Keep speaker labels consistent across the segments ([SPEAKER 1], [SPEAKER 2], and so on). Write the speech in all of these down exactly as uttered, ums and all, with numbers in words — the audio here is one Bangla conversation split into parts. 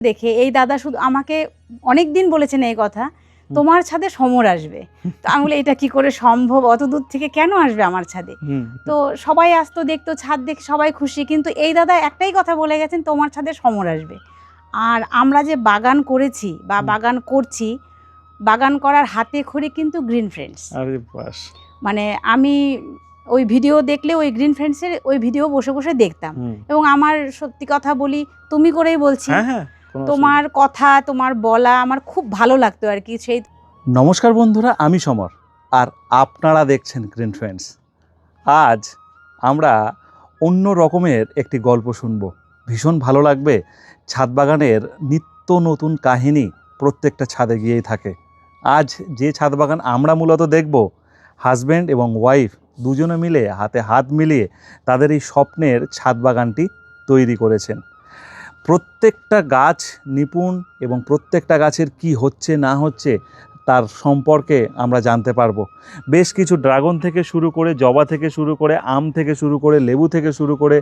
[SPEAKER 1] দেখে এই দাদা শুধু আমাকে অনেক দিন বলেছেন এই কথা, তোমার ছাদে সমর আসবে। তো আমি বলি এটা কি করে সম্ভব, অত দূর থেকে কেন আসবে আমার ছাদে? তো সবাই আসতো দেখতো, ছাদ দেখে সবাই খুশি, কিন্তু এই দাদা একটাই কথা বলে গেছেন, তোমার ছাদে সমর আসবে। আর আমরা যে বাগান করেছি বা বাগান করছি, বাগান করার হাতে খড়ি কিন্তু গ্রিন ফ্রেন্ডস।
[SPEAKER 2] আরে বাস,
[SPEAKER 1] মানে আমি ওই ভিডিও দেখলে ওই গ্রিন ফ্রেন্ডসের ওই ভিডিও বসে বসে দেখতাম, এবং আমার সত্যি কথা বলি, তুমি করেই বলছি, তোমার কথা তোমার বলা আমার খুব ভালো লাগতো আর কি। সেই
[SPEAKER 2] নমস্কার বন্ধুরা, আমি সমর আর আপনারা দেখছেন গ্রিন ফ্রেন্ডস। আজ আমরা অন্য রকমের একটি গল্প শুনবো, ভীষণ ভালো লাগবে। ছাদ বাগানের নিত্য নতুন কাহিনী প্রত্যেকটা ছাদে গিয়েই থাকে। আজ যে ছাদ বাগান আমরা মূলত দেখব, হাজব্যান্ড এবং ওয়াইফ দুজনে মিলে হাতে হাত মিলিয়ে তাদের এই স্বপ্নের ছাদ বাগানটি তৈরি করেছেন। প্রত্যেকটা গাছ নিপুণ এবং প্রত্যেকটা গাছের কি হচ্ছে না হচ্ছে তার সম্পর্কে আমরা জানতে পারবো। বেশ কিছু ড্রাগন থেকে শুরু করে, জবা থেকে শুরু করে, আম থেকে শুরু করে, লেবু থেকে শুরু করে,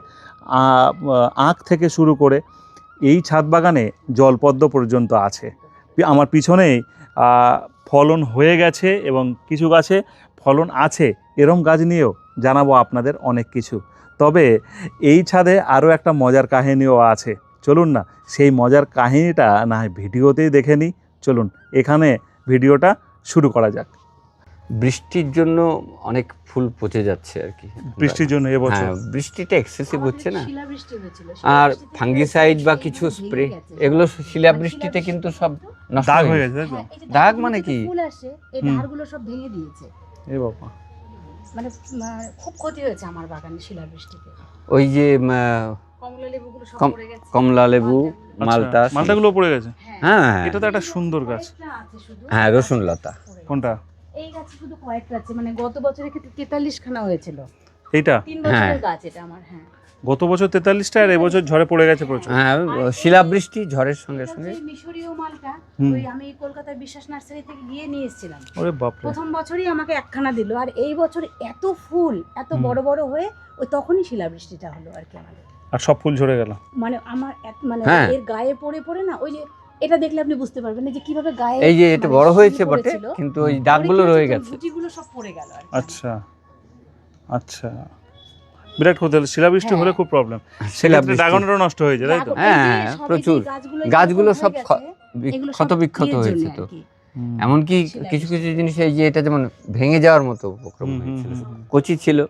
[SPEAKER 2] আখ থেকে শুরু করে এই ছাদ বাগানে জলপদ্ম পর্যন্ত আছে। আমার পিছনেই ফলন হয়ে গেছে এবং কিছু গাছে ফলন আছে, এরম গাছ নিয়েও জানাবো আপনাদের অনেক কিছু। তবে এই ছাদে আরও একটা মজার কাহিনীও আছে, চলুন না সেই মজার কাহিনীটা না হয় ভিডিওতেই দেখে নিই। চলুন এখানে ভিডিওটা শুরু করা যাক।
[SPEAKER 3] বৃষ্টির জন্য অনেক ফুল পচে যাচ্ছে আর কি।
[SPEAKER 2] বৃষ্টির জন্য এবছর
[SPEAKER 3] বৃষ্টিটা এক্সেসিভ হচ্ছে না, আর ফাঙ্গিসাইড বা কিছু স্প্রে, এগুলো শিলা বৃষ্টিতে কিন্তু সব নষ্ট হয়ে গেছে। দাগ মানে কি,
[SPEAKER 1] ফুল আসে এই ধারগুলো সব ভেঙে দিয়েছে।
[SPEAKER 2] এ বাবা,
[SPEAKER 1] মানে খুব ক্ষতি হয়েছে আমার বাগানে শিলা বৃষ্টিতে।
[SPEAKER 3] ওই যে
[SPEAKER 1] কমলা লেবুগুলো সব পড়ে গেছে,
[SPEAKER 3] কমলা লেবু, মালটা,
[SPEAKER 2] মালটাগুলো পড়ে গেছে।
[SPEAKER 3] হ্যাঁ,
[SPEAKER 2] এটা তো একটা সুন্দর গাছ।
[SPEAKER 3] হ্যাঁ, রসুন লতা।
[SPEAKER 2] কোনটা?
[SPEAKER 1] এই গাছে শুধু কয়েকটা আছে, মানে গত বছরে কিন্তু তেতাল্লিশ খানা হয়েছিল।
[SPEAKER 2] এইটা
[SPEAKER 1] তিন বছরের গাছ এটা আমার। হ্যাঁ,
[SPEAKER 2] গত বছর তেতাল্লিশটা আর এবছর ঝড়ে পড়ে গেছে প্রচুর।
[SPEAKER 3] হ্যাঁ, শিলাবৃষ্টি ঝড়ের সঙ্গে সঙ্গে।
[SPEAKER 1] মিশরীয় মালটা ওই আমি কলকাতার বিশ্বাস নার্সারি থেকে গিয়ে নিয়ে এসেছিলাম।
[SPEAKER 2] ওরে বাপ রে,
[SPEAKER 1] প্রথম বছরই আমাকে একখানা দিল, আর এই বছর এত ফুল এত বড় বড় হয়ে ওই তখনই শিলাবৃষ্টিটা হলো আর কি আমাদের,
[SPEAKER 2] আর সব ফুল ঝরে গেল।
[SPEAKER 1] মানে আমার মানে এর গায়ে পড়ে পড়ে না, ওই যে এটা দেখলে আপনি বুঝতে পারবেন যে কিভাবে গায়ে,
[SPEAKER 3] এই যে এটা বড় হয়েছে বটে, কিন্তু ওই দাগগুলো রয়ে গেছে,
[SPEAKER 1] গুটিগুলো সব পড়ে গেল আর কি।
[SPEAKER 2] আচ্ছা আচ্ছা, বিরাট ক্ষতি হলো। শিলাবৃষ্টি হলে খুব প্রবলেম, সেক্ষেত্রে ড্রাগনেরও নষ্ট হয়ে যায়, তাই তো?
[SPEAKER 3] হ্যাঁ, প্রচুর গাছগুলো সব ক্ষত বিক্ষত হয়েছে। তো এমনকি কিছু কিছু জিনিস, এই যে এটা যেমন ভেঙে যাওয়ার মতো উপক্রম হয়েছিল, কচি ছিল।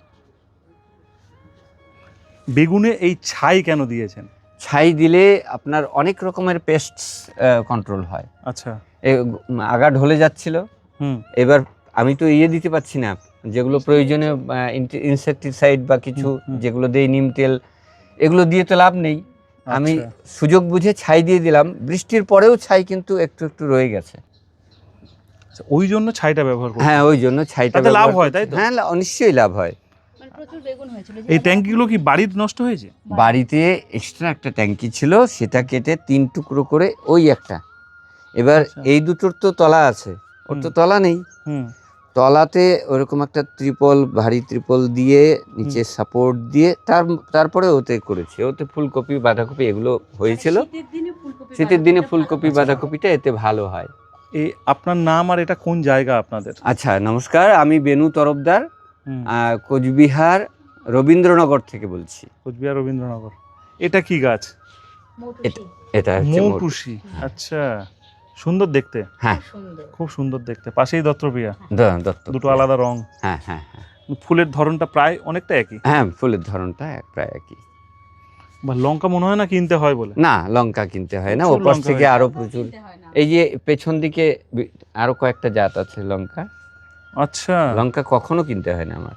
[SPEAKER 2] বেগুনে এই ছাই কেন দিয়েছেন?
[SPEAKER 3] ছাই দিলে আপনার অনেক রকমের পেস্ট কন্ট্রোল হয়।
[SPEAKER 2] আচ্ছা,
[SPEAKER 3] আগা ঢলে যাচ্ছিল, এবার আমি তো ইয়ে দিতে পারছি না, যেগুলো প্রয়োজনীয় ইনসেকটিসাইড বা কিছু যেগুলো দেই, নিম তেল, এগুলো দিয়ে তো লাভ নেই। আমি সুযোগ বুঝে ছাই দিয়ে দিলাম। বৃষ্টির পরেও ছাই কিন্তু একটু একটু রয়ে গেছে,
[SPEAKER 2] ওই জন্য ছাইটা ব্যবহার করি।
[SPEAKER 3] হ্যাঁ, ওই জন্য ছাইটা
[SPEAKER 2] লাভ হয়, তাই তো?
[SPEAKER 3] হ্যাঁ, নিশ্চয়ই লাভ হয়।
[SPEAKER 2] এই ট্যাঙ্কিগুলো কি বাড়িতে নষ্ট হয়েছে?
[SPEAKER 3] বাড়িতে এক্সট্রা একটা ট্যাঙ্কি ছিল, সেটা কেটে তিন টুকরো করে ওই একটা। এবার এই দুটোর তো তলা আছে, ওর তো তলা নেই। তলাতে ওরকম একটা ত্রিপল, ভারী ত্রিপল দিয়ে নিচে সাপোর্ট দিয়ে তার তারপরে ওতে করেছে। ওতে ফুলকপি বাঁধাকপি এগুলো হয়েছিল। শীতের দিনে ফুলকপি বাঁধাকপিটা এতে ভালো হয়।
[SPEAKER 2] এই আপনার নাম আর এটা কোন জায়গা আপনাদের?
[SPEAKER 3] আচ্ছা, নমস্কার, আমি বেনু তরফদার, কোচবিহার রবীন্দ্রনগর থেকে বলছি।
[SPEAKER 2] কোচবিহার রবীন্দ্রনগর। এটা কি গাছ?
[SPEAKER 3] এটা হচ্ছে
[SPEAKER 2] মৌটুসি। আচ্ছা, সুন্দর দেখতে।
[SPEAKER 3] হ্যাঁ,
[SPEAKER 2] খুব সুন্দর দেখতে। পাশেই দত্তপ্রিয়া, দুটো আলাদা রং।
[SPEAKER 3] হ্যাঁ হ্যাঁ হ্যাঁ।
[SPEAKER 2] ফুলের ধরনটা প্রায় অনেকটা একই।
[SPEAKER 3] হ্যাঁ, ফুলের ধরনটা প্রায় একই।
[SPEAKER 2] বা লঙ্কা মনে হয় না কিনতে হয় বলে?
[SPEAKER 3] না, লঙ্কা কিনতে হয় না, ওপাশ থেকে আরো প্রচুর। এই যে পেছন দিকে আরো কয়েকটা জাত আছে লঙ্কা।
[SPEAKER 2] আচ্ছা,
[SPEAKER 3] লঙ্কা কখনো কিনতে হয় না আমার,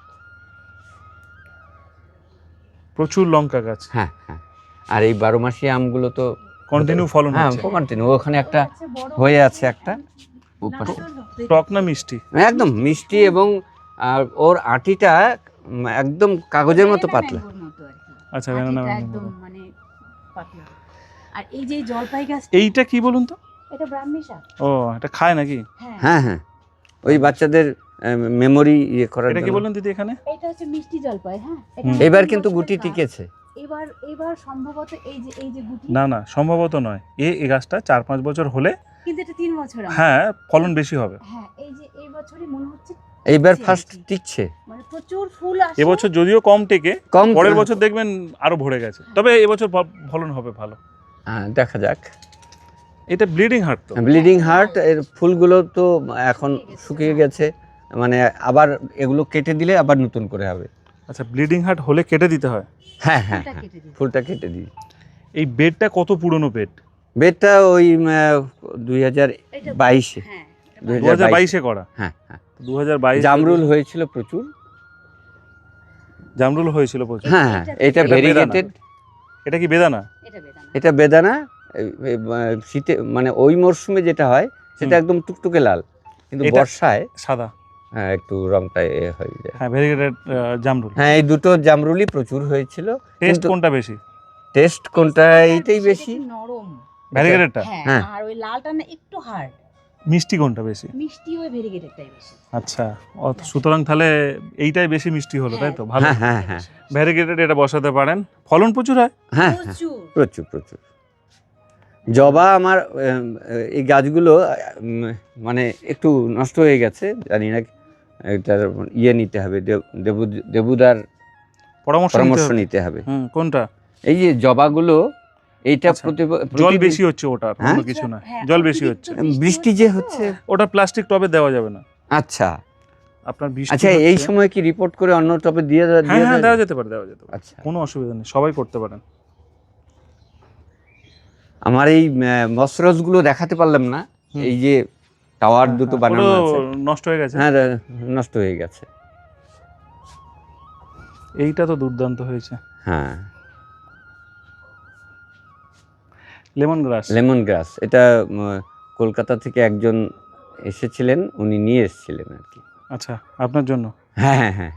[SPEAKER 2] প্রচুর লঙ্কা গাছ।
[SPEAKER 3] হ্যাঁ হ্যাঁ। আর এই বারো মাসি আমগুলো তো
[SPEAKER 2] কন্টিনিউ ফলন
[SPEAKER 3] হ্যাঁ,
[SPEAKER 2] হচ্ছে।
[SPEAKER 3] কন্টিনিউ। ওখানে একটা হয়ে আছে একটা।
[SPEAKER 2] টক না মিষ্টি?
[SPEAKER 3] একদম মিষ্টি, এবং ওর আটিটা একদম কাগজের মতো পাতলা।
[SPEAKER 2] আচ্ছা,
[SPEAKER 1] একদম মানে পাতলা। আর এই যে জলপাই গাছ,
[SPEAKER 2] এইটা কি বলুন তো?
[SPEAKER 1] এটা ব্রাহ্মী শাক।
[SPEAKER 2] ও, এটা খায় নাকি?
[SPEAKER 3] হ্যাঁ হ্যাঁ, ওই বাচ্চাদের মেমোরি ইয়ে করার।
[SPEAKER 2] এটা কি বললেন দিদি এখানে?
[SPEAKER 1] এটা হচ্ছে মিষ্টি জলপাই। হ্যাঁ,
[SPEAKER 3] এবার কিন্তু গুটি টিকেছে।
[SPEAKER 1] এবার এবার সম্ভবত এই যে এই যে গুটি,
[SPEAKER 2] না না সম্ভবত নয়, এ এই গাছটা চার পাঁচ বছর হলে
[SPEAKER 1] কিন্তু এটা তিন বছর আমার।
[SPEAKER 2] হ্যাঁ ফলন বেশি হবে।
[SPEAKER 1] হ্যাঁ এই যে এই বছরই মনে হচ্ছে
[SPEAKER 3] এইবার
[SPEAKER 1] টিকছে
[SPEAKER 3] ফার্স্ট
[SPEAKER 1] আর কি।
[SPEAKER 3] টিকছে।
[SPEAKER 1] মানে প্রচুর ফুল আসে।
[SPEAKER 2] এবছর যদিও কম টেকে,
[SPEAKER 3] কম
[SPEAKER 2] পরের বছর দেখবেন আরো ভরে গেছে, তবে এবছর ফ- ফলন হবে ভালো।
[SPEAKER 3] হ্যাঁ, দেখা যাক।
[SPEAKER 2] এটা ব্লিডিং হার্ট তো।
[SPEAKER 3] ব্লিডিং হার্ট এর ফুলগুলো তো এখন শুকিয়ে গেছে, মানে আবার এগুলো কেটে দিলে আবার নতুন করে হবে।
[SPEAKER 2] আচ্ছা ব্লিডিং হার্ট হলে কেটে দিতে হয়।
[SPEAKER 3] হ্যাঁ হ্যাঁ
[SPEAKER 1] ফুলটা
[SPEAKER 3] হ্যাঁ,
[SPEAKER 1] কেটে দিই।
[SPEAKER 3] ফুলটা কেটে দিই।
[SPEAKER 2] এই বেডটা কত পুরনো বেড?
[SPEAKER 3] বেডটা ওই দুই হাজার
[SPEAKER 1] এটা
[SPEAKER 3] বাইশে
[SPEAKER 1] হ্যাঁ
[SPEAKER 3] দুই
[SPEAKER 2] দু হাজার বাইশে করা।
[SPEAKER 3] হ্যাঁ হ্যাঁ,
[SPEAKER 2] দু হাজার বাইশ
[SPEAKER 3] জামরুল হয়েছিল প্রচুর।
[SPEAKER 2] জামরুল হয়েছিল প্রচুর।
[SPEAKER 3] হ্যাঁ হ্যাঁ,
[SPEAKER 1] এটা-
[SPEAKER 3] এটা
[SPEAKER 2] এটা বেদানা।
[SPEAKER 3] ভেরিগেটেড।
[SPEAKER 2] এটা কি বেদানা?
[SPEAKER 1] এটা বেদানা।
[SPEAKER 3] এটা বেদানা। এই- এই, আহ, শীতে মানে ওই মরশুমে যেটা হয় সেটা
[SPEAKER 2] হুম।
[SPEAKER 3] একদম টুকটুকে লাল, কিন্তু
[SPEAKER 2] এটা-
[SPEAKER 3] বর্ষায়
[SPEAKER 2] সাদা।
[SPEAKER 3] হ্যাঁ একটু রংটা এ হয়ে যায়।
[SPEAKER 2] হ্যাঁ ভেরিগেটেড জামরুল।
[SPEAKER 3] হ্যাঁ এই দুটো জামরুলই প্রচুর হয়েছিল।
[SPEAKER 2] টেস্ট
[SPEAKER 3] কিন্তু
[SPEAKER 2] কোনটা বেশি?
[SPEAKER 3] টেস্ট কোনটা এইটাই
[SPEAKER 1] এটা
[SPEAKER 3] বেশি।
[SPEAKER 1] একটু নরম।
[SPEAKER 2] ভেরিগেটেডটা।
[SPEAKER 1] হ্যাঁ
[SPEAKER 3] হ্যাঁ।
[SPEAKER 1] আর ওই লালটা না একটু হার্ড।
[SPEAKER 2] মিষ্টি কোনটা বেশি?
[SPEAKER 1] মিষ্টি ওই ভেরিগেটেডটাই বেশি।
[SPEAKER 2] আচ্ছা অত- সুতরাং তাহলে এইটাই বেশি মিষ্টি হলো, তাই তো? ভালো।
[SPEAKER 3] হ্যাঁ হ্যাঁ হ্যাঁ
[SPEAKER 2] ভ্যারিগেটেড এটা বসাতে পারেন, ফলন প্রচুর হয়।
[SPEAKER 3] হ্যাঁ হ্যাঁ,
[SPEAKER 1] প্রচুর।
[SPEAKER 3] প্রচুর প্রচুর। জবা আমার উম, এই গাছগুলো উম, মানে একটু নষ্ট হয়ে গেছে, জানি না এটার ইয়ে নিতে হবে, দেব- দেবু দেবুদার
[SPEAKER 2] পরামর্শ নিতে
[SPEAKER 3] পরামর্শ
[SPEAKER 2] হবে।
[SPEAKER 3] নিতে হবে।
[SPEAKER 2] হুম কোনটা?
[SPEAKER 3] এই যে জবাগুলো এইটা
[SPEAKER 2] আচ্ছা,
[SPEAKER 3] প্রতি
[SPEAKER 2] জল
[SPEAKER 3] প্রতিদিন-
[SPEAKER 2] বেশি হচ্ছে ওটার,
[SPEAKER 3] হ্যাঁ?
[SPEAKER 2] অন্য কিছু না।
[SPEAKER 1] হ্যাঁ,
[SPEAKER 2] জল বেশি
[SPEAKER 1] অতিরিক্ত
[SPEAKER 2] হচ্ছে।
[SPEAKER 3] বৃষ্টি যে
[SPEAKER 1] তো।
[SPEAKER 3] হচ্ছে।
[SPEAKER 2] ওটা প্লাস্টিক টবে দেওয়া যাবে না।
[SPEAKER 3] আচ্ছা
[SPEAKER 2] আপনার বৃষ্টি
[SPEAKER 3] আচ্ছা, এই
[SPEAKER 2] হচ্ছে-
[SPEAKER 3] সময় কি রিপোর্ট করে অন্য টপে দিয়ে দেওয়া-
[SPEAKER 2] হ্যাঁ
[SPEAKER 3] দিয়ে
[SPEAKER 2] হ্যাঁ
[SPEAKER 3] দেওয়া
[SPEAKER 2] দেওয়া
[SPEAKER 3] যায়?
[SPEAKER 2] যেতে পারে, দেওয়া যেতে পারে,
[SPEAKER 3] আচ্ছা,
[SPEAKER 2] কোনো অসুবিধা নেই, সবাই করতে পারেন।
[SPEAKER 3] আমার এই মসরস গুলো দেখাতে পারলাম না।
[SPEAKER 2] হুম।
[SPEAKER 3] এই যে টাওয়ার
[SPEAKER 2] হ্যাঁ,
[SPEAKER 3] দুটো
[SPEAKER 2] হ্যাঁ,
[SPEAKER 3] বানানো
[SPEAKER 2] পুরো
[SPEAKER 3] আছে,
[SPEAKER 2] নষ্ট হয়ে গেছে।
[SPEAKER 3] হ্যাঁ নষ্ট হয়ে গেছে।
[SPEAKER 2] এইটা তো দুর্দান্ত হয়েছে।
[SPEAKER 3] হ্যাঁ
[SPEAKER 2] লেমন গ্রাস।
[SPEAKER 3] লেমন গ্রাস, এটা উম, কলকাতা থেকে একজন এসেছিলেন, উনি নিয়ে এসেছিলেন আর কি।
[SPEAKER 2] আচ্ছা আপনার জন্য।
[SPEAKER 3] হ্যাঁ হ্যাঁ হ্যাঁ,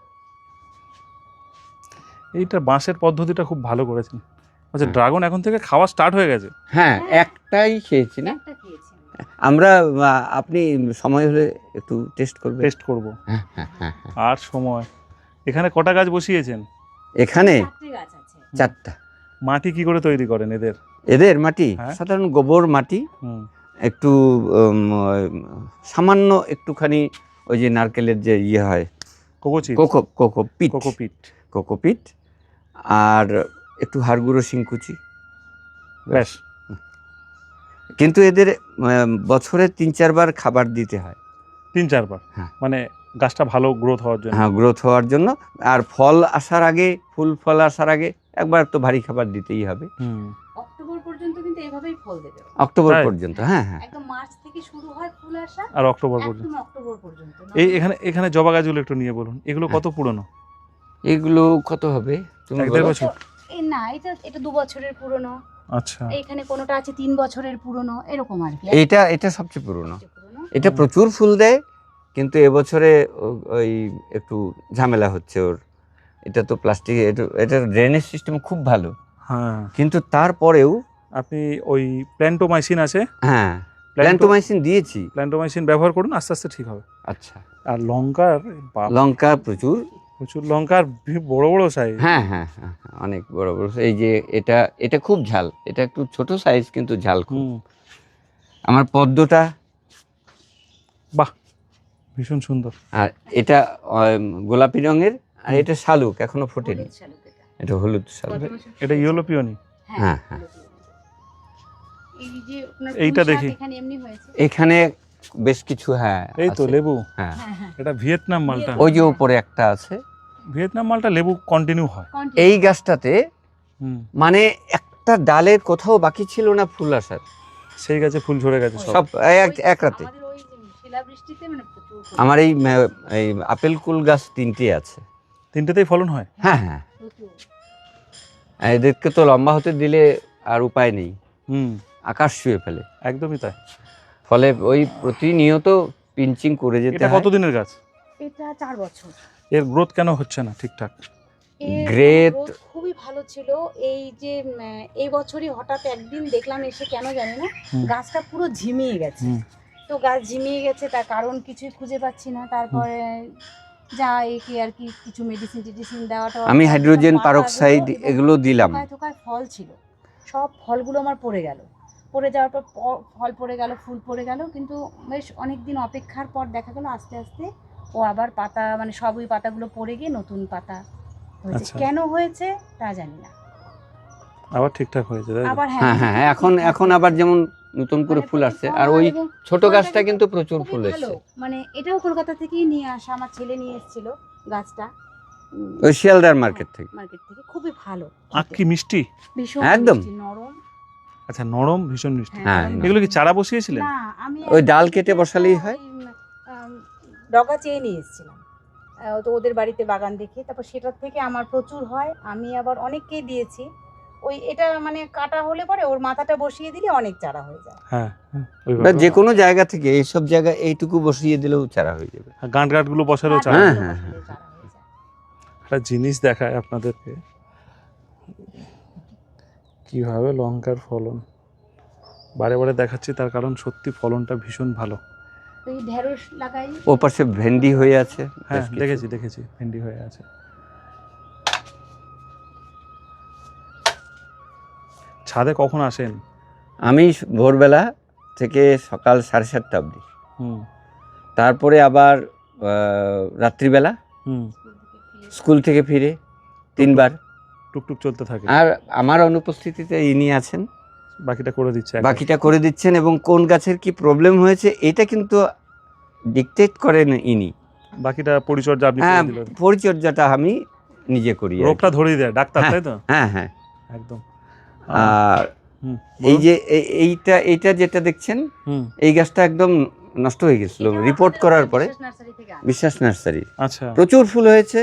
[SPEAKER 2] এইটা বাঁশের পদ্ধতিটা খুব ভালো করেছেন। আচ্ছা
[SPEAKER 3] হ্যাঁ।
[SPEAKER 2] ড্রাগন এখন থেকে খাওয়া স্টার্ট হয়ে গেছে।
[SPEAKER 3] হ্যাঁ একটাই খেয়েছি না
[SPEAKER 1] একটা খেয়েছি আমি।
[SPEAKER 3] আমরা। আহ, আপনি সময় হলে একটু টেস্ট করবেন।
[SPEAKER 2] টেস্ট করব।
[SPEAKER 3] হ্যাঁ হ্যাঁ হ্যাঁ হ্যাঁ।
[SPEAKER 2] আর সময়। এখানে কটা গাছ বসিয়েছেন?
[SPEAKER 3] এখানে
[SPEAKER 1] চারটে গাছ আছে।
[SPEAKER 3] চারটা।
[SPEAKER 2] মাটি কি করে তৈরি করেন এদের?
[SPEAKER 3] এদের মাটি
[SPEAKER 2] হ্যাঁ।
[SPEAKER 3] সাধারণ গোবর মাটি,
[SPEAKER 2] হুম
[SPEAKER 3] একটু উম, সামান্য একটুখানি ওই যে নারকেলের যে ইয়ে হয়,
[SPEAKER 2] কোকোচিট,
[SPEAKER 3] কোকো কোকোপিট
[SPEAKER 2] কোকোপিট।
[SPEAKER 3] কোকোপিট, আর একটু হাড়গুঁড়ো শিংকুচি।
[SPEAKER 2] ব্যাস।
[SPEAKER 3] কিন্তু এদের আহ, বছরে তিন চারবার খাবার দিতে হয়।
[SPEAKER 2] তিন চারবার?
[SPEAKER 3] হ্যাঁ।
[SPEAKER 2] মানে গাছটা ভালো গ্রোথ হওয়ার জন্য।
[SPEAKER 3] হ্যাঁ গ্রোথ হওয়ার জন্য, আর ফল আসার আগে, ফুল ফল আসার আগে একবার তো ভারী খাবার দিতেই হবে।
[SPEAKER 2] হুম
[SPEAKER 1] অক্টোবর পর্যন্ত কিন্তু এইভাবেই ফল দেবে।
[SPEAKER 3] অক্টোবর
[SPEAKER 2] তাই?
[SPEAKER 3] পর্যন্ত, হ্যাঁ হ্যাঁ।
[SPEAKER 1] একদম মার্চ থেকে শুরু হয় ফুল আসা,
[SPEAKER 2] আর অক্টোবর পর্যন্ত।
[SPEAKER 1] একদম অক্টোবর পর্যন্ত।
[SPEAKER 2] এই এখানে এখানে জবা গাছগুলো একটু নিয়ে বলুন, এগুলো কত পুরনো?
[SPEAKER 3] এগুলো কত হবে তুমি
[SPEAKER 2] এক দেড়
[SPEAKER 3] বলো?
[SPEAKER 2] বছর?
[SPEAKER 1] এই না, এটা এটা দু বছরের পুরনো।
[SPEAKER 2] আচ্ছা
[SPEAKER 1] এইখানে কোনোটা আছে তিন বছরের পুরনো, এরকম আর কি।
[SPEAKER 3] এটা এটা সবচেয়ে পুরনো।
[SPEAKER 1] সবচেয়ে পুরনো।
[SPEAKER 3] এটা
[SPEAKER 2] হুম।
[SPEAKER 3] প্রচুর ফুল দেয়, কিন্তু এবছরে ও- ওই একটু ঝামেলা হচ্ছে ওর। এটা তো প্লাস্টিক, এটা এটার ড্রেনেজ সিস্টেম খুব ভালো,
[SPEAKER 2] হ্যাঁ।
[SPEAKER 3] কিন্তু তারপরেও
[SPEAKER 2] আপনি ওই প্ল্যান্টোমাইসিন আছে,
[SPEAKER 3] হ্যাঁ
[SPEAKER 2] প্ল্যান্টো
[SPEAKER 3] প্ল্যান্টোমাইসিন দিয়েছি।
[SPEAKER 2] প্ল্যান্টোমাইসিন ব্যবহার করুন, আস্তে আস্তে ঠিক হবে।
[SPEAKER 3] আচ্ছা,
[SPEAKER 2] আর লঙ্কার বাপ,
[SPEAKER 3] লঙ্কা প্রচুর।
[SPEAKER 2] প্রচুর লঙ্কার ভি- বড় বড় সাইজ।
[SPEAKER 3] হ্যাঁ হ্যাঁ হ্যাঁ হ্যাঁ, অনেক বড় বড়। এই যে এটা এটা খুব ঝাল, এটা একটু ছোট সাইজ কিন্তু ঝাল খুব।
[SPEAKER 2] হুম
[SPEAKER 3] আমার পদ্মটা,
[SPEAKER 2] বাহ ভীষণ সুন্দর।
[SPEAKER 3] আর এটা আম, গোলাপি রঙের, আর এটা শালুক এখনো ফোটেনি,
[SPEAKER 1] হলুদ শালুক এটা।
[SPEAKER 3] এটা হলুদ শালুক।
[SPEAKER 1] গত বছর
[SPEAKER 2] এটা ইয়েলো পিওনি।
[SPEAKER 3] হ্যাঁ, হ্যাঁ।
[SPEAKER 1] এই যে আপনার
[SPEAKER 2] এইটা
[SPEAKER 1] পুঁই শাক
[SPEAKER 2] দেখি।
[SPEAKER 1] এখানে এমনি হয়েছে।
[SPEAKER 3] এখানে বেশ কিছু, হ্যাঁ
[SPEAKER 2] এই তো
[SPEAKER 3] আছে।
[SPEAKER 2] লেবু।
[SPEAKER 3] হ্যাঁ,
[SPEAKER 1] হ্যাঁ হ্যাঁ।
[SPEAKER 2] এটা ভিয়েতনাম মালটা।
[SPEAKER 3] ওই যে উপরে একটা আছে।
[SPEAKER 2] ভিয়েতনাম মালটা লেবু কন্টিনিউ হয়।
[SPEAKER 1] Continue।
[SPEAKER 3] এই গাছটাতে
[SPEAKER 2] হুম
[SPEAKER 3] মানে একটা ডালের কোথাও বাকি ছিল না ফুল আসার,
[SPEAKER 2] সেই গাছে ফুল ঝরে গেছে সব।
[SPEAKER 3] সব এক
[SPEAKER 1] ওই
[SPEAKER 3] এক রাতে।
[SPEAKER 1] আমাদের ওই যে শিলাবৃষ্টিতে মানে প্রচুর ফুল।
[SPEAKER 3] আমার এই আহ, এই আপেল কুল গাছ তিনটে আছে।
[SPEAKER 2] তিনটেতেই ফলন হয়।
[SPEAKER 3] হ্যাঁ হ্যাঁ,
[SPEAKER 1] প্রচুর।
[SPEAKER 3] আর এদেরকে তো লম্বা হতে দিলে আর উপায় নেই,
[SPEAKER 2] হুম
[SPEAKER 3] আকাশ ছুঁয়ে ফেলে।
[SPEAKER 2] একদমই তাই।
[SPEAKER 3] ফলে ওই প্রতিনিয়ত পিঞ্চিং করে যেতে
[SPEAKER 2] এটা
[SPEAKER 3] হয়।
[SPEAKER 2] কতদিনের গাছ?
[SPEAKER 1] এটা চার বছর।
[SPEAKER 2] এর গ্রোথ কেন হচ্ছে না ঠিকঠাক?
[SPEAKER 1] এর
[SPEAKER 3] Great.
[SPEAKER 1] growth খুবই ভালো ছিল। এই যে উম, এই বছরই হঠাৎ একদিন দেখলাম এসে, কেন জানি না,
[SPEAKER 2] হুম।
[SPEAKER 1] গাছটা পুরো ঝিমিয়ে গেছে।
[SPEAKER 2] হুম।
[SPEAKER 1] তো গাছ ঝিমিয়ে গেছে, তার কারণ কিছুই খুঁজে পাচ্ছি না। তারপরে যা একে আর কি কিছু মেডিসিন টেডিসিন দেওয়াটা
[SPEAKER 3] আমি হাইড্রোজেন পারক্সাইড এগুলো দিলাম।
[SPEAKER 1] থোকায় থোকায় ফল ছিল, সব ফলগুলো আমার পড়ে গেল, পড়ে যাওয়ার পর প- ফল পড়ে গেল, ফুল পড়ে গেল, কিন্তু বেশ অনেক দিন অপেক্ষার পর দেখা গেল আস্তে আস্তে ও আবার পাতা মানে সব ওই পাতাগুলো পড়ে গিয়ে নতুন পাতা হয়েছে।
[SPEAKER 2] আচ্ছা।
[SPEAKER 1] কেন হয়েছে তা জানি না,
[SPEAKER 2] আবার ঠিকঠাক হয়েছে তাই তো?
[SPEAKER 1] আবার
[SPEAKER 3] হ্যাঁ হ্যাঁ হ্যাঁ, এখন এখন আবার যেমন নতুন করে
[SPEAKER 1] মানে
[SPEAKER 3] ফুল
[SPEAKER 1] প্রচুর
[SPEAKER 3] আসছে,
[SPEAKER 1] ফল
[SPEAKER 3] আর ওই
[SPEAKER 1] এবং
[SPEAKER 3] ছোট
[SPEAKER 1] ফলটা
[SPEAKER 3] গাছটা
[SPEAKER 1] কিন্তু
[SPEAKER 3] কিন্তু প্রচুর
[SPEAKER 1] খুবই
[SPEAKER 3] ফুল
[SPEAKER 1] ভালো।
[SPEAKER 3] এসছে।
[SPEAKER 1] মানে এটাও কলকাতা থেকেই নিয়ে আসা, আমার ছেলে নিয়ে এসেছিল গাছটা উম,
[SPEAKER 3] ওই শিয়ালদার মার্কেট থেকে।
[SPEAKER 1] মার্কেট থেকে, খুবই ভালো
[SPEAKER 2] আখ কি মিষ্টি?
[SPEAKER 1] ভীষণ
[SPEAKER 3] একদম।
[SPEAKER 1] মিষ্টি, নরম।
[SPEAKER 2] আচ্ছা, নরম, ভীষণ মিষ্টি।
[SPEAKER 3] হ্যাঁ,
[SPEAKER 1] নরম।
[SPEAKER 2] এগুলো কি চারা বসিয়েছিলেন?
[SPEAKER 1] না, আমি
[SPEAKER 3] ওই
[SPEAKER 1] একদম
[SPEAKER 3] ডাল কেটে
[SPEAKER 1] থেকে
[SPEAKER 3] বসালেই
[SPEAKER 1] তো
[SPEAKER 3] হয়।
[SPEAKER 1] ওই, আম, ডগা চেয়ে নিয়ে এসেছিলাম, আহ, তো ওদের বাড়িতে বাগান দেখে, তারপর সেটার থেকে আমার প্রচুর হয়, আমি আবার অনেককেই দিয়েছি। ওই এটা মানে কাটা হলে পরে ওর মাথাটা বসিয়ে দিলে অনেক চারা হয়ে যায়।
[SPEAKER 2] হ্যাঁ হ্যাঁ,
[SPEAKER 3] বা
[SPEAKER 2] ওইভাবে।
[SPEAKER 3] যে কোনো জায়গা থেকে এইসব জায়গা এইটুকু বসিয়ে দিলেও চারা হয়ে যাবে।
[SPEAKER 2] গাঁট গাঁটগুলো বসালেও চারা।
[SPEAKER 3] হ্যাঁ,
[SPEAKER 1] গাছগুলো
[SPEAKER 3] হ্যাঁ,
[SPEAKER 1] বসালেও চারা হয়ে যায়।
[SPEAKER 2] একটা জিনিস দেখায় আপনাদেরকে, কিভাবে লঙ্কার ফলন বারে বারে দেখাচ্ছি, তার কারণ সত্যি ফলনটা ভীষণ ভালো।
[SPEAKER 1] ওই ঢেঁড়স লাগাই,
[SPEAKER 3] ও পাশে ভেন্ডি হয়ে আছে।
[SPEAKER 2] হ্যাঁ
[SPEAKER 3] বেশ কিছু।
[SPEAKER 2] দেখেছি দেখেছি ভেন্ডি হয়ে আছে। ছাদে কখন আসেন?
[SPEAKER 3] আমি ভোরবেলা থেকে সকাল সাড়ে সাতটা অবধি,
[SPEAKER 2] হুম
[SPEAKER 3] তারপরে আবার আহ, রাত্রিবেলা
[SPEAKER 2] হুম
[SPEAKER 3] স্কুল থেকে ফিরে তিনবার।
[SPEAKER 2] টুকটুক চলতে থাকে,
[SPEAKER 3] আর আমার অনুপস্থিতিতে ইনি আছেন,
[SPEAKER 2] বাকিটা করে দিচ্ছে একাই।
[SPEAKER 3] বাকিটা করে দিচ্ছেন, এবং কোন গাছের কি প্রবলেম হয়েছে এটা কিন্তু ডিকটেট করেন ইনি।
[SPEAKER 2] বাকিটা পরিচর্যা আপনি
[SPEAKER 3] হ্যাঁ,
[SPEAKER 2] করে দিলেন।
[SPEAKER 3] পরিচর্যাটা আমি নিজে করি আর কি।
[SPEAKER 2] রোগটা ধরিয়ে দেয় ডাক্তার,
[SPEAKER 3] হ্যাঁ,
[SPEAKER 2] তাই তো?
[SPEAKER 3] হ্যাঁ হ্যাঁ।
[SPEAKER 2] একদম।
[SPEAKER 3] আর
[SPEAKER 2] হুম,
[SPEAKER 3] এই
[SPEAKER 2] বলুন।
[SPEAKER 3] যে এই- এইটা এইটা যেটা দেখছেন,
[SPEAKER 2] হুম,
[SPEAKER 3] এই গাছটা একদম নষ্ট হয়ে গেছিল
[SPEAKER 1] এটা
[SPEAKER 3] রিপোর্ট
[SPEAKER 1] আমাদের
[SPEAKER 3] করার
[SPEAKER 1] ওই
[SPEAKER 3] পরে।
[SPEAKER 1] বিশ্বাস নার্সারি থেকে আনা।
[SPEAKER 3] বিশ্বাস নার্সারি
[SPEAKER 2] আচ্ছা
[SPEAKER 3] প্রচুর ফুল হয়েছে।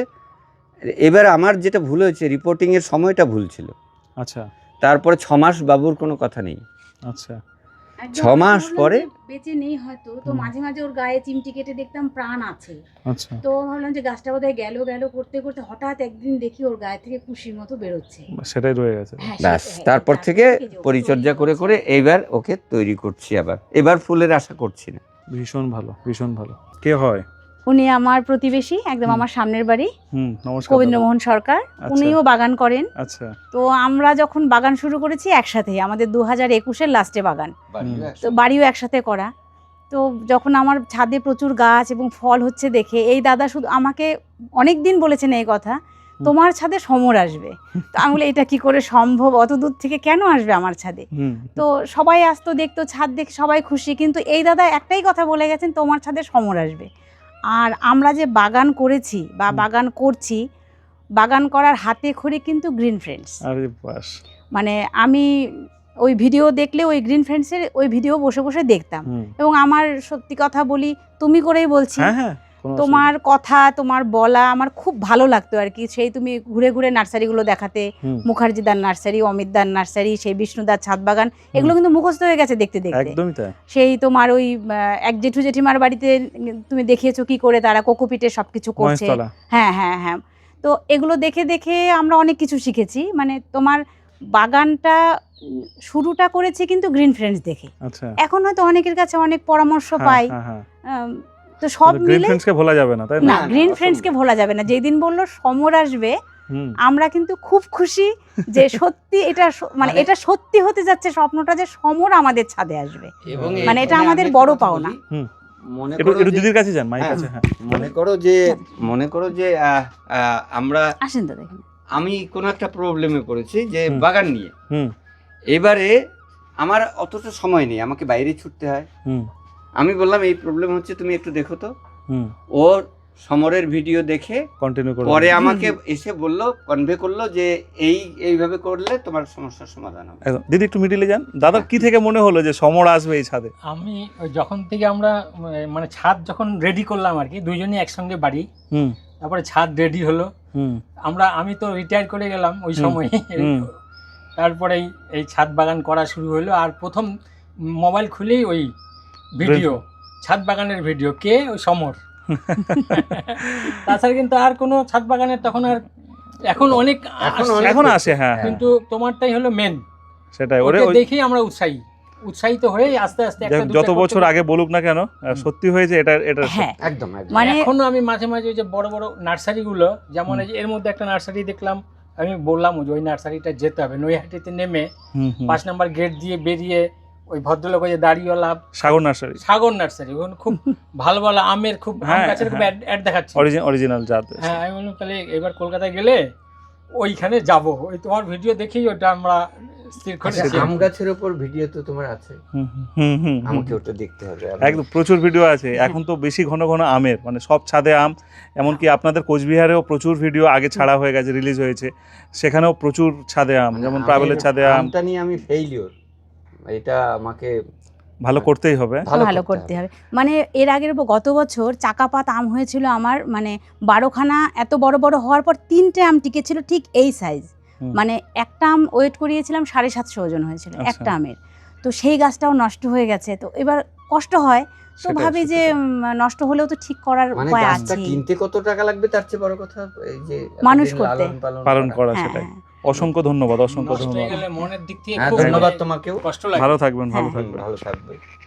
[SPEAKER 3] এবার আমার যেটা ভুল হয়েছে, রিপোর্টিং এর সময়টা ভুল ছিল।
[SPEAKER 2] আচ্ছা
[SPEAKER 3] তারপরে ছ মাস বাবুর কোনো কথা নেই।
[SPEAKER 2] আচ্ছা
[SPEAKER 1] একদম
[SPEAKER 3] ছ মাস
[SPEAKER 1] ভাবলাম
[SPEAKER 3] পরে?
[SPEAKER 1] যে বেঁচে নেই হয়তো, তো
[SPEAKER 2] হুম।
[SPEAKER 1] মাঝে মাঝে ওর গায়ে চিমটি কেটে দেখতাম প্রাণ আছে,
[SPEAKER 2] আচ্ছা,
[SPEAKER 1] তো ভাবলাম যে গাছটা বোধহয় গেল গেল করতে করতে হঠাৎ একদিন দেখি ওর গায়ে থেকে কুশির মতো বেরোচ্ছে।
[SPEAKER 2] সেটাই রয়ে গেছে।
[SPEAKER 1] হ্যাঁ,
[SPEAKER 3] ব্যাস,
[SPEAKER 1] সেটা- হ্যাঁ,
[SPEAKER 3] তারপর
[SPEAKER 1] তারপর
[SPEAKER 3] থেকে
[SPEAKER 1] যে ওকে
[SPEAKER 3] পরিচর্যা
[SPEAKER 1] তৈরি
[SPEAKER 3] করে
[SPEAKER 1] করছি।
[SPEAKER 3] করে এইবার ওকে তৈরি করছি। আবার এবার ফুলের আশা করছি না।
[SPEAKER 2] ভীষণ ভালো, ভীষণ ভালো। কে হয়?
[SPEAKER 1] উনি আমার প্রতিবেশী, একদম
[SPEAKER 2] হুম।
[SPEAKER 1] আমার সামনের বাড়ি,
[SPEAKER 2] হুম, নমস্কার।
[SPEAKER 1] কবীন্দ্রমোহন সরকার।
[SPEAKER 2] আচ্ছা।
[SPEAKER 1] উনিও বাগান করেন।
[SPEAKER 2] দাদা। আচ্ছা,
[SPEAKER 1] তো আমরা যখন বাগান শুরু করেছি একসাথে, আমাদের দু হাজার একুশের লাস্টে বাগান,
[SPEAKER 2] হুম।
[SPEAKER 1] তো বাড়িও একসাথে করা। তো যখন আমার ছাদে প্রচুর গাছ এবং ফল হচ্ছে দেখে এই দাদা শুধু আমাকে অনেক দিন বলেছেন এই কথা, তোমার ছাদে সমর আসবে। তো আমি বলি এটা কি করে সম্ভব, অত দূর থেকে কেন আসবে আমার ছাদে?
[SPEAKER 2] হুম,
[SPEAKER 1] তো সবাই আসতো দেখতো, ছাদ দেখে সবাই খুশি, কিন্তু এই দাদা একটাই কথা বলে গেছেন, তোমার ছাদে সমর আসবে। আর আমরা যে বাগান করেছি বা
[SPEAKER 2] হুম।
[SPEAKER 1] বাগান করছি, বাগান করার হাতে খড়ি কিন্তু গ্রিন ফ্রেন্ডস।
[SPEAKER 2] আরে বাস।
[SPEAKER 1] মানে আমি ওই ভিডিও দেখলে ওই গ্রিন ফ্রেন্ডসের ওই ভিডিও বসে বসে দেখতাম,
[SPEAKER 2] হুম।
[SPEAKER 1] এবং আমার সত্যি কথা বলি, তুমি করেই বলছি,
[SPEAKER 2] হ্যাঁ হ্যাঁ, কোনো অসুবিধা
[SPEAKER 1] তোমার কথা তোমার বলা আমার খুব ভালো লাগতো আর কি। সেই তুমি ঘুরে ঘুরে নার্সারিগুলো দেখাতে,
[SPEAKER 2] নেই। হুম,
[SPEAKER 1] মুখার্জিদার নার্সারি, অমিতদার নার্সারি, সেই বিষ্ণুদার ছাদ বাগান, এগুলো কিন্তু মুখস্থ হয়ে গেছে দেখতে দেখতে।
[SPEAKER 2] একদমই তাই।
[SPEAKER 1] সেই তোমার ওই আহ, এক জেঠু জেঠিমার বাড়িতে তুমি দেখিয়েছো কি করে তারা কোকোপিটে সব কিছু করছে।
[SPEAKER 2] মহেশতলা।
[SPEAKER 1] হ্যাঁ হ্যাঁ হ্যাঁ, তো এগুলো দেখে দেখে আমরা অনেক কিছু শিখেছি। মানে তোমার বাগানটা উম, শুরুটা করেছি কিন্তু গ্রিন ফ্রেন্ডস দেখে।
[SPEAKER 2] আচ্ছা।
[SPEAKER 1] এখন হয়তো অনেকের কাছে অনেক পরামর্শ
[SPEAKER 2] হ্যাঁ,
[SPEAKER 1] পাই,
[SPEAKER 2] হ্যাঁ, হ্যাঁ।
[SPEAKER 1] আম, তো সব
[SPEAKER 2] গ্রিন
[SPEAKER 1] মিলে
[SPEAKER 2] ফ্রেন্ডসকে ভোলা যাবে না, তাই
[SPEAKER 1] না,
[SPEAKER 2] না?
[SPEAKER 3] না,
[SPEAKER 1] গ্রিন
[SPEAKER 3] অসম্ভব।
[SPEAKER 1] ফ্রেন্ডসকে ভোলা যাবে না। যেদিন বললো সমর আসবে,
[SPEAKER 2] হুম,
[SPEAKER 1] আমরা কিন্তু খুব খুশি যে সত্যি এটা স- মানে
[SPEAKER 3] মানে-
[SPEAKER 1] এটা সত্যি হতে যাচ্ছে স্বপ্নটা, যে সমর আমাদের ছাদে আসবে।
[SPEAKER 3] এবং
[SPEAKER 1] মানে এটা
[SPEAKER 3] এখানে
[SPEAKER 1] আমাদের
[SPEAKER 3] আমি একটা
[SPEAKER 1] বড়
[SPEAKER 3] কথা
[SPEAKER 1] পাওনা।
[SPEAKER 3] বলি।
[SPEAKER 2] হুম।
[SPEAKER 3] মনে
[SPEAKER 2] একটু
[SPEAKER 3] করো
[SPEAKER 2] একটু
[SPEAKER 3] যে-
[SPEAKER 2] দিদির কাছে যান, মাইক
[SPEAKER 3] হ্যাঁ,
[SPEAKER 2] আছে। হ্যাঁ,
[SPEAKER 3] মনে করো যে মনে করো যে আহ, আহ, আমরা
[SPEAKER 1] আসেন তো দেখেন।
[SPEAKER 3] আমি কোনো একটা প্রবলেমে পড়েছি যে
[SPEAKER 2] হুম।
[SPEAKER 3] বাগান নিয়ে।
[SPEAKER 2] হুম
[SPEAKER 3] এবারে আমার অতটা সময় নেই, আমাকে বাইরে ছুটতে হয়।
[SPEAKER 2] হুম
[SPEAKER 3] আমি বললাম এই প্রবলেম হচ্ছে, তুমি একটু দেখো তো।
[SPEAKER 2] হুম
[SPEAKER 3] ওর সমরের ভিডিও দেখে
[SPEAKER 2] কন্টিনিউ করুন।
[SPEAKER 3] পরে আমাকে এসে বলল, কনভে করলো যে এই এইভাবে করলে তোমার সমস্যার সমাধান হবে।
[SPEAKER 2] একদম। দিদি একটু মিডিলে যান। দাদার কি থেকে মনে হলো যে সমর আসবে এই ছাদে?
[SPEAKER 4] আমি ওই যখন থেকে আমরা উম, মানে ছাদ যখন রেডি করলাম আর কি, দুইজনই একসঙ্গে বাড়ি,
[SPEAKER 2] হুম
[SPEAKER 4] তারপরে ছাদ রেডি হলো।
[SPEAKER 2] হুম
[SPEAKER 4] আমরা আমি তো রিটায়ার করে গেলাম ওই
[SPEAKER 2] হুম,
[SPEAKER 4] সময়।
[SPEAKER 2] হুম।
[SPEAKER 4] তারপরেই এই ছাদ বাগান করা শুরু হলো। আর প্রথম মোবাইল খুলেই ওই ভিডিও, ছাদ বাগানের ভিডিও, কে ওই সমর। তাছাড়া কিন্তু আর কোনো ছাদ বাগানের তখন আর, এখন অনেক
[SPEAKER 3] এখন
[SPEAKER 4] আসছে,
[SPEAKER 3] অনেক
[SPEAKER 2] এখন আসে, হ্যাঁ হ্যাঁ,
[SPEAKER 4] কিন্তু তোমারটাই হলো মেন।
[SPEAKER 2] সেটাই। ওরে
[SPEAKER 4] ওটা
[SPEAKER 2] ওই
[SPEAKER 4] দেখেই আমরা উৎসাহী। উৎসাহিত হয়ে আস্তে আস্তে একটা
[SPEAKER 2] যাক,
[SPEAKER 4] দুটো
[SPEAKER 2] যত
[SPEAKER 4] করতে
[SPEAKER 2] বছর
[SPEAKER 4] করতে-
[SPEAKER 2] আগে বলুক না কেন আহ, সত্যি হয়েছে এটা এটা
[SPEAKER 1] হ্যাঁ
[SPEAKER 3] একদম একদম
[SPEAKER 1] মানে
[SPEAKER 4] এখনো আমি মাঝে মাঝে ওই যে বড় বড় নার্সারিগুলো যেমন
[SPEAKER 2] হুম।
[SPEAKER 4] এই যে এর মধ্যে একটা নার্সারি দেখলাম, আমি বললাম যে ওই নার্সারিটা যেতে হবে, নৈহাটিতে নেমে
[SPEAKER 2] হুম, হুম।
[SPEAKER 4] পাঁচ নাম্বার গেট দিয়ে বেরিয়ে ওই ভদ্রলোক ওই যে দাড়িওয়ালা
[SPEAKER 2] সাগর নার্সারি
[SPEAKER 4] সাগর নার্সারি, ওখানে খুব ভালো ভালো আমের খুব আম
[SPEAKER 2] হ্যাঁ,
[SPEAKER 4] গাছের খুব
[SPEAKER 2] হ্যাঁ।
[SPEAKER 4] অ্যাড দেখাচ্ছে।
[SPEAKER 2] অরিজিনাল জাত।
[SPEAKER 4] হ্যাঁ আমি বললাম তাহলে এবার কলকাতায় গেলে ওইখানে যাব, ওই তোমার ভিডিও দেখেই ওটা আমরা স্থির
[SPEAKER 3] আচ্ছা,
[SPEAKER 4] করেছি।
[SPEAKER 3] আম গাছের উপর ভিডিও তো তোমার আছে,
[SPEAKER 2] হুম, হুম, হুম, হুম,
[SPEAKER 3] আমাকে
[SPEAKER 2] হুম।
[SPEAKER 3] ওটা দেখতে হবে।
[SPEAKER 2] একদম প্রচুর ভিডিও আছে এখন তো বেশি ঘন ঘন আমের মানে সব ছাদে আম, এমনকি আপনাদের কোচবিহারেও প্রচুর ভিডিও আগে ছাড়া হয়ে গেছে, রিলিজ হয়েছে, সেখানেও প্রচুর ছাদে আম,
[SPEAKER 3] মানে
[SPEAKER 2] যেমন
[SPEAKER 3] আমের-
[SPEAKER 2] প্রাবেলের ছাদে আম।
[SPEAKER 3] আমটা নিয়ে আমি ফেইলিওর, এটা আমাকে
[SPEAKER 2] ভালো করতেই হবে।
[SPEAKER 1] ভালো করতে হবে। মানে এর আগের ব- গত বছর চাকাপাত আম হয়েছিল আমার, মানে বারোখানা এত বড় বড় হওয়ার পর তিনটে আম টিকেছিল ঠিক এই সাইজ,
[SPEAKER 2] হুম।
[SPEAKER 1] মানে একটা আম ওয়েট করিয়েছিলাম সাড়ে সাতশো ওজন হয়েছিল
[SPEAKER 2] আচ্ছা।
[SPEAKER 1] একটা আমের। তো সেই গাছটাও নষ্ট হয়ে গেছে, তো এবার কষ্ট হয়, তো
[SPEAKER 2] সেটাই,
[SPEAKER 1] ভাবি যে
[SPEAKER 2] সেটাই।
[SPEAKER 1] উম, নষ্ট হলেও তো ঠিক করার
[SPEAKER 3] মানে
[SPEAKER 1] উপায়
[SPEAKER 3] গাছটা
[SPEAKER 1] আছে।
[SPEAKER 3] কিনতে কত টাকা লাগবে তার চেয়ে বড় কথা এই যে
[SPEAKER 1] মানুষ
[SPEAKER 3] এতদিন
[SPEAKER 1] করতে।
[SPEAKER 3] লালন
[SPEAKER 2] পালন করা
[SPEAKER 1] হ্যাঁ,
[SPEAKER 2] সেটাই।
[SPEAKER 1] হ্যাঁ।
[SPEAKER 2] অসংখ্য ধন্যবাদ, অসংখ্য
[SPEAKER 4] নষ্ট হয়ে
[SPEAKER 2] ধন্যবাদ।
[SPEAKER 4] গেলে মনের দিক থেকে
[SPEAKER 3] হ্যাঁ,
[SPEAKER 4] খুব
[SPEAKER 3] ধন্যবাদ
[SPEAKER 4] মানে
[SPEAKER 3] তোমাকেও।
[SPEAKER 4] কষ্ট লাগে।
[SPEAKER 2] ভালো থাকবেন, ভালো
[SPEAKER 1] হ্যাঁ।
[SPEAKER 2] থাকবেন।
[SPEAKER 3] ভালো থাকবে।